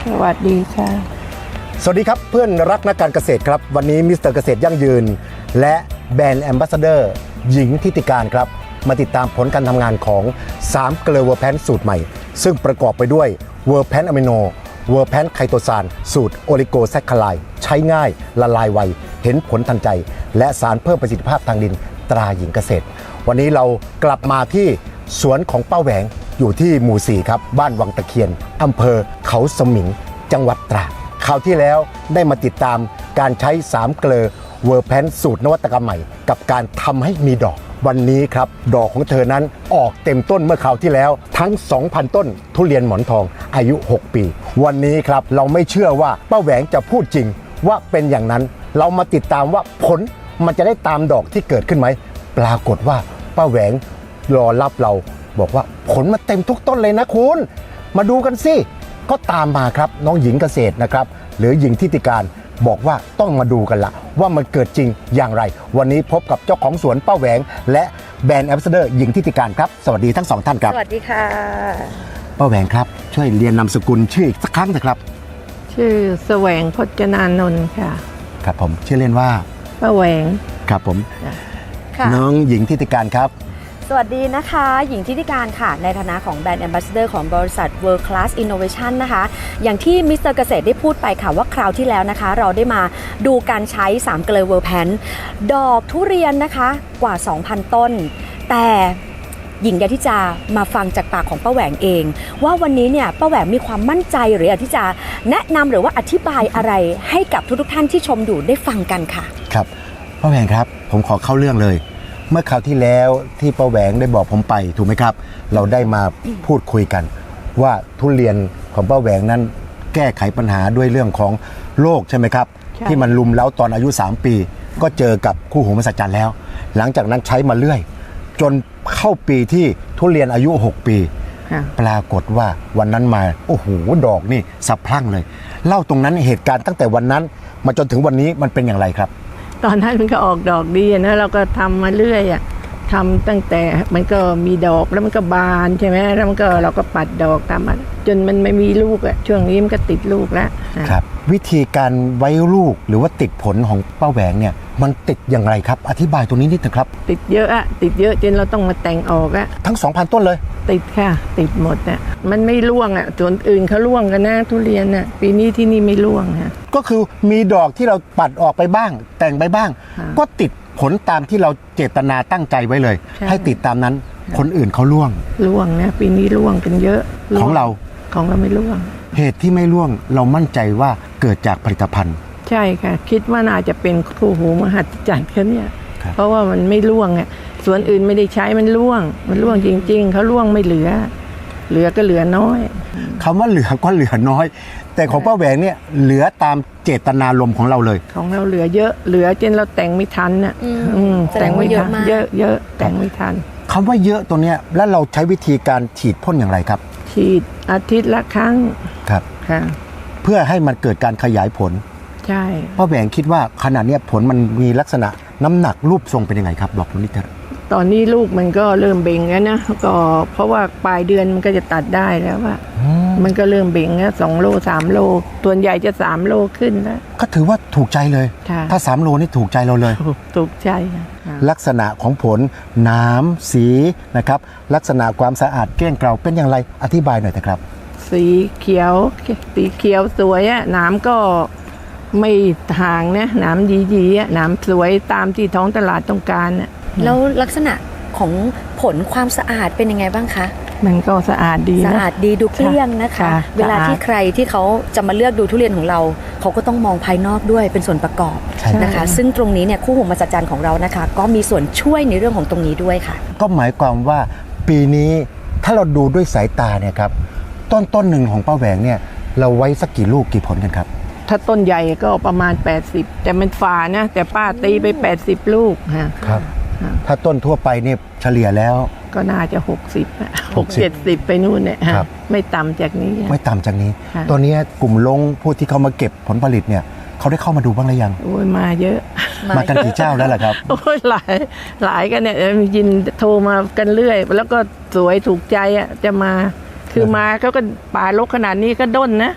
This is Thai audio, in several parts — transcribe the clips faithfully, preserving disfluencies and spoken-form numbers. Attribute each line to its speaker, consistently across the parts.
Speaker 1: สวัสดีค่ะ
Speaker 2: สวัสดีครับเพื่อนรักนักการเกษตรครับวันนี้มิสเตอร์เกษตรยั่งยืนและแบรนด์แอมบาสเดอร์หญิงทิติการครับมาติดตามผลการทำงานของสามเกลือเวอร์แพนสูตรใหม่ซึ่งประกอบไปด้วยเวอร์แพนอะมิโนเวอร์แพนไคโตซานสูตรโอลิโกแซคคาไลใช้ง่ายละลายไวเห็นผลทันใจและสารเพิ่มประสิทธิภาพทางดินตราหญิงเกษตรวันนี้เรากลับมาที่สวนของป้าแหวงอยู่ที่หมู่สี่ครับบ้านวังตะเคียนอำเภอเขาสมิงจังหวัดตราดคราวที่แล้วได้มาติดตามการใช้สามเกลอเวอร์แพนสูตรนวัตกรรมใหม่กับการทำให้มีดอกวันนี้ครับดอกของเธอนั้นออกเต็มต้นเมื่อคราวที่แล้วทั้ง สองพัน ต้นทุเรียนหมอนทองอายุหกปีวันนี้ครับเราไม่เชื่อว่าป้าแหวงจะพูดจริงว่าเป็นอย่างนั้นเรามาติดตามว่าผลมันจะได้ตามดอกที่เกิดขึ้นไหมปรากฏว่าป้าแหวงรอรับเราบอกว่าผลมาเต็มทุกต้นเลยนะคุณมาดูกันสิก็ตามมาครับน้องหญิงเกษตรนะครับหรือหญิงทิติการบอกว่าต้องมาดูกันละว่ามันเกิดจริงอย่างไรวันนี้พบกับเจ้าของสวนป้าแหวงและแบรนด์แอมบาสเดอร์หญิงทิติการครับสวัสดีทั้งสองท่านครับ
Speaker 3: สวัสดีค่ะ
Speaker 2: ป้าแหวงครับช่วยเรียนนามสกุลชื่ออีกสักครั้งนะครับ
Speaker 1: ชื่อแสวงพจนานนท์ค่ะ
Speaker 2: ครับผมชื่อเล่นว่า
Speaker 1: ป้าแหวง
Speaker 2: ครับผม
Speaker 3: ค่ะ
Speaker 2: น้องหญิงทิติการครับ
Speaker 3: สวัสดีนะคะหญิงทิติการค่ะในฐานะของแบรนด์แอมบาสเดอร์ของบริษัท World Class Innovation นะคะอย่างที่มิสเตอร์เกษตรได้พูดไปค่ะว่าคราวที่แล้วนะคะเราได้มาดูการใช้สามเกลือเวอร์แพนดอกทุเรียนนะคะกว่า สองพัน ต้นแต่หญิงอยากที่จะมาฟังจากปากของป้าแหวงเองว่าวันนี้เนี่ยป้าแหวงมีความมั่นใจหรืออยากที่จะแนะนำหรือว่าอธิบายอะไรให้กับทุกๆท่านที่ชมอยู่ได้ฟังกันค่ะ
Speaker 2: ครับป้าแหวงครับผมขอเข้าเรื่องเลยเมื่อคราวที่แล้วที่ป้าแหวงได้บอกผมไปถูกไหมครับเราได้มาพูดคุยกันว่าทุเรียนของป้าแหวงนั้นแก้ไขปัญหาด้วยเรื่องของโรคใช่ไหมครับที่มันลุมเล้าตอนอายุสามปีก็เจอกับคู่หูมหัศจรรย์แล้วหลังจากนั้นใช้มาเรื่อยจนเข้าปีที่ทุเรียนอายุหกปีปรากฏว่าวันนั้นมาโอ้โหดอกนี่สะพรั่งเลยเล่าตรงนั้นเหตุการณ์ตั้งแต่วันนั้นมาจนถึงวันนี้มันเป็นอย่างไรครับ
Speaker 1: ตอนนั้นมันก็ออกดอกดีนะเราก็ทำมาเรื่อยอ่ะทำตั้งแต่มันก็มีดอกแล้วมันก็บานใช่ไหมแล้วมันก็เราก็ปัดดอกตามมาจนมันไม่มีลูกอ่ะช่วงนี้มันก็ติดลูกแล้ว
Speaker 2: ครับวิธีการไว้ลูกหรือว่าติดผลของป้าแหวงเนี่ยมันติดอย่างไรครับอธิบายตรงนี้นิดนึงครับ
Speaker 1: ติดเยอะอะติดเยอะจนเราต้องมาแต่งออกอะ
Speaker 2: ทั้ง สองพัน ต้นเลย
Speaker 1: ติดค่ะติดหมดอะมันไม่ร่วงอะส่วนอื่นเขาร่วงกันนะทุเรียนอะปีนี้ที่นี่ไม่ร่วงฮะ
Speaker 2: ก็คือมีดอกที่เราปัดออกไปบ้างแต่งไปบ้างก็ติดผลตามที่เราเจตนาตั้งใจไว้เลยให้ติดตามนั้นคนอื่นเขาร่วง
Speaker 1: ร่วงนะปีนี้ร่วงกันเยอะ
Speaker 2: ของเรา
Speaker 1: ของเราไม่ร่วง
Speaker 2: เหตุที่ไม่ร่วงเรามั่นใจว่าเกิดจากผลิตภัณฑ์
Speaker 1: ใช่ค่ะคิดว่าน่าจะเป็นคู่หูมหัศจรรย์เขาเนี่ยเพราะว่ามันไม่ร่วงอ่ะส่วนอื่นไม่ได้ใช้มันร่วงมันร่วงจริงๆเขาร่วงไม่เหลือเหลือก็เหลือน้อย
Speaker 2: คำว่าเหลือก็เหลือน้อยแต่ของป้าแหวงเนี่ยเหลือตามเจตนารมณ์ของเราเลย
Speaker 1: ของเราเหลือเยอะเหลือจนเราแต่งไม่ทันน่ะแต่งไม่ทันเยอะเยอะแต่งไม่ทัน
Speaker 2: คำว่าเยอะตัวเนี้ยแล้วเราใช้วิธีการฉีดพ่นอย่างไรครับ
Speaker 1: ฉีดอาทิตย์ละครั้ง
Speaker 2: ครับ
Speaker 1: ค่ะ
Speaker 2: เพื่อให้มันเกิดการขยายผล
Speaker 1: ใช่
Speaker 2: ป้าแหวงคิดว่าขนาดนี้ผลมันมีลักษณะน้ำหนักรูปทรงเป็นยังไงครับบอกนิดเดียว
Speaker 1: ตอนนี้ลูกมันก็เริ่มเบ่งแล้วนะก็เพราะว่าปลายเดือนมันก็จะตัดได้แล้วว่ามันก็เริ่มเบ่งแล้วสองโลสามโลส่วนใหญ่จะสามโลขึ้นแล้ว
Speaker 2: ก็ถือว่าถูกใจเลยถ้าสามโลนี่ถูกใจเราเลย
Speaker 1: ถูกใจ
Speaker 2: ลักษณะของผลน้ำสีนะครับลักษณะความสะอาดเกลี้ยงเกลาเป็นอย่างไรอธิบายหน่อยนะครับ
Speaker 1: สีเขียวสีเขียวสวยอ่ะน้ำก็ไม่ห่างนะน้ำดีๆอ่ะน้ำสวยตามที่ท้องตลาดต้องการอ่ะ
Speaker 3: แล้วลักษณะของผลความสะอาดเป็นยังไงบ้างคะ
Speaker 1: มันก็สะอาดดีนะ
Speaker 3: สะอาดดีดูเกลี้ยงนะคะเวลาที่ใครที่เขาจะมาเลือกดูทุเรียนของเราเขาก็ต้องมองภายนอกด้วยเป็นส่วนประกอบนะคะซึ่งตรงนี้เนี่ยคู่หูมหัศจรรย์ของเรานะคะก็มีส่วนช่วยในเรื่องของตรงนี้ด้วยค่ะ
Speaker 2: ก็หมายความว่าปีนี้ถ้าเราดูด้วยสายตาเนี่ยครับต้นต้นหนึ่งของป้าแหวงเนี่ยเราไว้สักกี่ลูกกี่ผลกันครับ
Speaker 1: ถ้าต้นใหญ่ก็ประมาณแปดสิบแต่มันฝานะแต่ป้าตีไปแปดสิบลูกฮะ
Speaker 2: ครับถ้าต้นทั่วไปเนี่ยเฉลี่ยแล้ว
Speaker 1: ก็น่าจะหกสิบ หกสิบ เจ็ดสิบไปนู่นเนี่ยไม่ต่ำจากนี้
Speaker 2: ไม่ต่ำจากนี้ตัวนี้กลุ่มลงผู้ที่เขามาเก็บผลผลิตเนี่ยเขาได้เข้ามาดูบ้างหรือยัง
Speaker 1: โอ้ยมาเยอะ
Speaker 2: มากันกี่เจ้าแล้วล่ะครับ
Speaker 1: โอ้ยหลายหลายกันเนี่ยยินโทรมากันเรื่อยแล้วก็สวยถูกใจอ่ะจะมาคือมาเขาก็ป่ารกขนาดนี้ก็ด้นนะ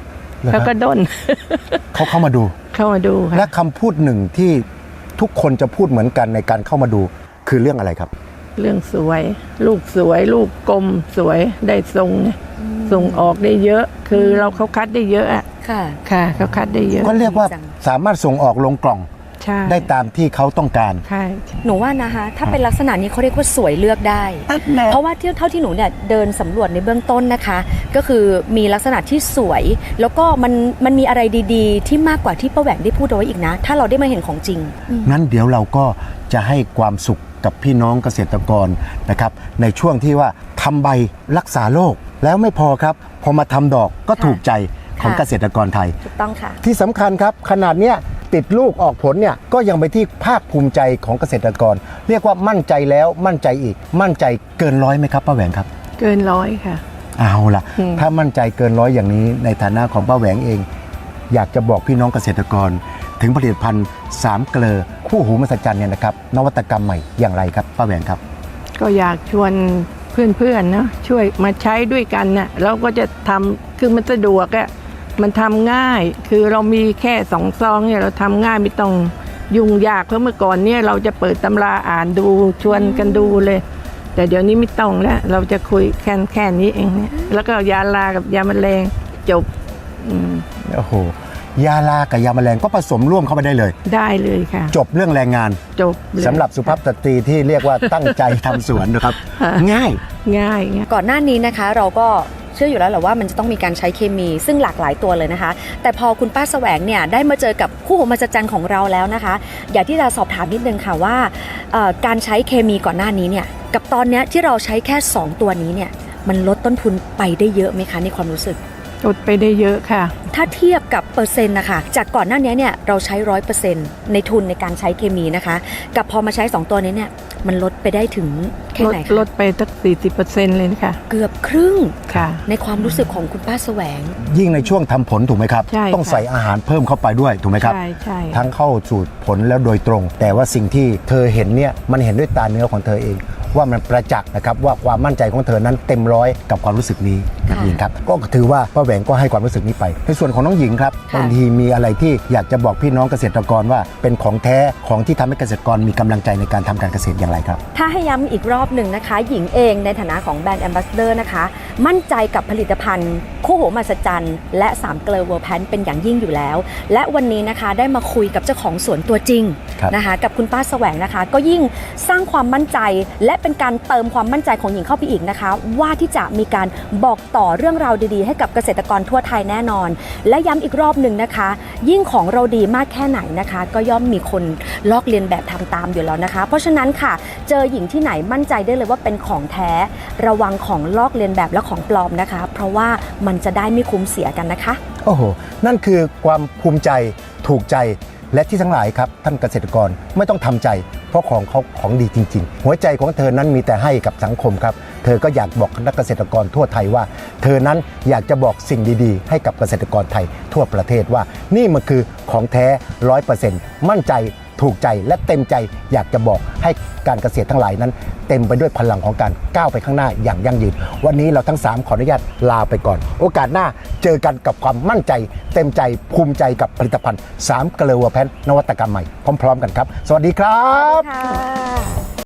Speaker 2: หรอ
Speaker 1: เขา
Speaker 2: ฮะ
Speaker 1: ก็ด้น
Speaker 2: เขาเข้ามาดู
Speaker 1: เข้ามาดูค่ะ
Speaker 2: และคำพูดหนึ่งที่ทุกคนจะพูดเหมือนกันในการเข้ามาดูคือเรื่องอะไรครับ
Speaker 1: เรื่องสวย ลูกสวย ลูกกลมสวยได้ทรงเนี่ยส่งออกได้เยอะ คือเราเขาคัดได้เยอะอะ
Speaker 3: ค่ะ
Speaker 1: ค่ะเขาคัดได้เยอะ
Speaker 2: ก็เรียกว่า
Speaker 3: จัง
Speaker 2: สามารถส่งออกลงกล่อง
Speaker 1: ใช่
Speaker 2: ได้ตามที่เขาต้องการ
Speaker 1: ใช่
Speaker 3: หนูว่านะคะถ้าเป็นลักษณะนี้เขาเรียกว่าสวยเลือกได้
Speaker 1: แหละ
Speaker 3: เพราะว่าที่เท่าที่หนูเนี่ยเดินสำรวจในเบื้องต้นนะคะ ก็คือมีลักษณะที่สวย แล้วก็มันมันมีอะไรดีๆ ที่มากกว่าที่ป้าแหวงได้พูดเอาไว้อีกนะ ถ้าเราได้มาเห็นของจริง
Speaker 2: งั้นเดี๋ยวเราก็จะให้ความสุขกับพี่น้องเกษตรกรนะครับในช่วงที่ว่าทำใบรักษาโรคแล้วไม่พอครับ พอมาทำดอกก็
Speaker 3: ค่ะ
Speaker 2: ถูกใจของ
Speaker 3: ค่ะ
Speaker 2: เกษตรกรไทย
Speaker 3: ถูกต้องค่ะ
Speaker 2: ที่สำคัญครับขนาดเนี้ยติดลูกออกผลเนี่ยก็ยังไปนที่ภาคภูมิใจของเกษตรกร เรียกว่ามั่นใจแล้วมั่นใจอีก มั่นใจเกินร้อยไหมครับป้าแหวงครับ
Speaker 1: เกินร้อยค่ะ
Speaker 2: เอาล่ะ
Speaker 1: อืม
Speaker 2: ถ้ามั่นใจเกินร้อยอย่างนี้ในฐานะของป้าแหวงเอง อยากจะบอกพี่น้องเกษตรกร ถึงผลิตภัณฑ์สามเกลอคู่หูมหัศจรรย์เนี่ยนะครับนวัตกรรมใหม่อย่างไรครับป้าแหวงครับ
Speaker 1: ก็อยากชวนเพื่อนๆเนาะช่วยมาใช้ด้วยกันน่ะเราก็จะทำคือมันสะดวกอะมันทำง่าย คือเรามีแค่สองซองเนี่ยเราทำง่ายไม่ต้องยุ่งยากเพราะเมื่อก่อนเนี่ยเราจะเปิดตำราอ่านดูชวนกันดูเลย แต่เดี๋ยวนี้ไม่ต้องแล้วเราจะคุยแค่แค่นี้เองเนี่ยแล้วก็ยาลากับยาแมลงจบอืม
Speaker 2: โอ้โหยาลากับยาแมลงก็ผสมร่วมเข้าไปได้เลย
Speaker 1: ได้เลยค่ะ
Speaker 2: จบเรื่องแรงงาน
Speaker 1: จบเลย
Speaker 2: สำหรับสุภาพสตรีที่เรียกว่าตั้งใจทำสวนนะครับ
Speaker 1: ค่ะ
Speaker 2: ง่าย
Speaker 1: ง่ายง่าย
Speaker 3: ก่อนหน้านี้นะคะเราก็เชื่ออยู่แล้วแหละว่ามันจะต้องมีการใช้เคมีซึ่งหลากหลายตัวเลยนะคะ แต่พอคุณป้าแสวงเนี่ยได้มาเจอกับคู่หูมหัศจรรย์ของเราแล้วนะคะ อยากที่จะสอบถามนิดนึงค่ะว่าเอ่อการใช้เคมีก่อนหน้านี้เนี่ยกับตอนเนี้ยที่เราใช้แค่สองตัวนี้เนี่ยมันลดต้นทุนไปได้เยอะไหมคะในความรู้สึก
Speaker 1: ลดไปได้เยอะค่ะ
Speaker 3: ถ้าเทียบกับเปอร์เซ็นต์นะคะจากก่อนหน้านี้เนี่ยเราใช้ร้อยเปอร์เซ็นต์ในทุนในการใช้เคมีนะคะ กับพอมาใช้สองตัวนี้เนี่ยมันลดไปได้ถึงแค่
Speaker 1: ลด
Speaker 3: ไหน
Speaker 1: ล
Speaker 3: คะ
Speaker 1: ดไปตั้งสี่สิบเปอร์เซ็นต์เลยนะคะ
Speaker 3: เกือบครึ่ง
Speaker 1: ค่ะ
Speaker 3: ในความรู้สึกของคุณป้าแสวง
Speaker 2: ยิ่งในช่วงทำผลถูกไหมครับ
Speaker 1: ใช่
Speaker 2: ต้อง
Speaker 1: ค่ะ
Speaker 2: ใส่อาหารเพิ่มเข้าไปด้วยถูกไหมครับ
Speaker 1: ใช่ใช่
Speaker 2: ทั้งเข้าสู่ผลแล้วโดยตรง แต่ว่าสิ่งที่เธอเห็นเนี่ยมันเห็นด้วยตาเนื้อของเธอเอง ว่ามันประจักษ์นะครับว่าความมั่นใจของเธอนั้นเต็มร้อยกับความรู้สึกนี้นะหญิงครับก็ถือว่าป้าแหวงก็ให้ความรู้สึกนี้ไปในส่วนของน้องหญิงครับ
Speaker 3: ค่ะ
Speaker 2: บางทีมีอะไรที่อยากจะบอกพี่น้องเกษตรกรว่าเป็นของแท้ของที่ทำให้เกษตรกรมีกำลังใจในการทำการเกษตรอย่างไรครับ
Speaker 3: ถ้าให้ย้ำอีกรอบหนึ่งนะคะ หญิงเองในฐานะของแบรนด์แอมบาสเดอร์นะคะ มั่นใจกับผลิตภัณฑ์คู่หูมหัศจรรย์และสามเกลอเวอร์แพนเป็นอย่างยิ่งอยู่แล้ว และวันนี้นะคะได้มาคุยกับเจ้าของสวนตัวจริง
Speaker 2: ครับ
Speaker 3: นะคะ กับคุณป้าแสวงนะคะ ก็ยิ่งสร้างความมั่นใจ และเป็นการเติมความมั่นใจของหญิงเข้าไปอีกนะคะ ว่าที่จะมีการบอกต่อเรื่องราวดีๆ ให้กับเกษตรกรทั่วไทยแน่นอน และย้ำอีกรอบหนึ่งนะคะ ยิ่งของเราดีมากแค่ไหนนะคะ ก็ย่อมมีคนลอกเลียนแบบทำตามอยู่แล้วนะคะ เพราะฉะนั้นค่ะ เจอหญิงที่ไหนมั่นใจได้เลยว่าเป็นของแท้ ระวังของลอกเลียนแบบและของปลอมนะคะ เพราะว่ามันจะได้ไม่คุ้มเสียกันนะคะ
Speaker 2: โอ้โห นั่นคือความภูมิใจถูกใจและที่ทั้งหลายครับท่านเกษตรกรไม่ต้องทำใจ เพราะของเขาของดีจริง ๆ หัวใจของเธอนั้นมีแต่ให้กับสังคมครับ เธอก็อยากบอกนักเกษตรกรทั่วไทยว่า เธอนั้นอยากจะบอกสิ่งดีๆ ให้กับเกษตรกรไทยทั่วประเทศว่า นี่มันคือของแท้ร้อยเปอร์เซ็นต์มั่นใจถูกใจและเต็มใจอยากจะบอกให้การเกษตรทั้งหลายนั้น เต็มไปด้วยพลังของการก้าวไปข้างหน้าอย่างยั่งยืนวันนี้เราทั้งสามขออนุญาตลาไปก่อน โอกาสหน้าเจอกันกับความมั่นใจ เต็มใจภูมิใจกับผลิตภัณฑ์สามเกลอเวอร์แพนนวัตกรรมใหม่พร้อมๆกันครับ สวัสดีครับ
Speaker 3: ค่ะ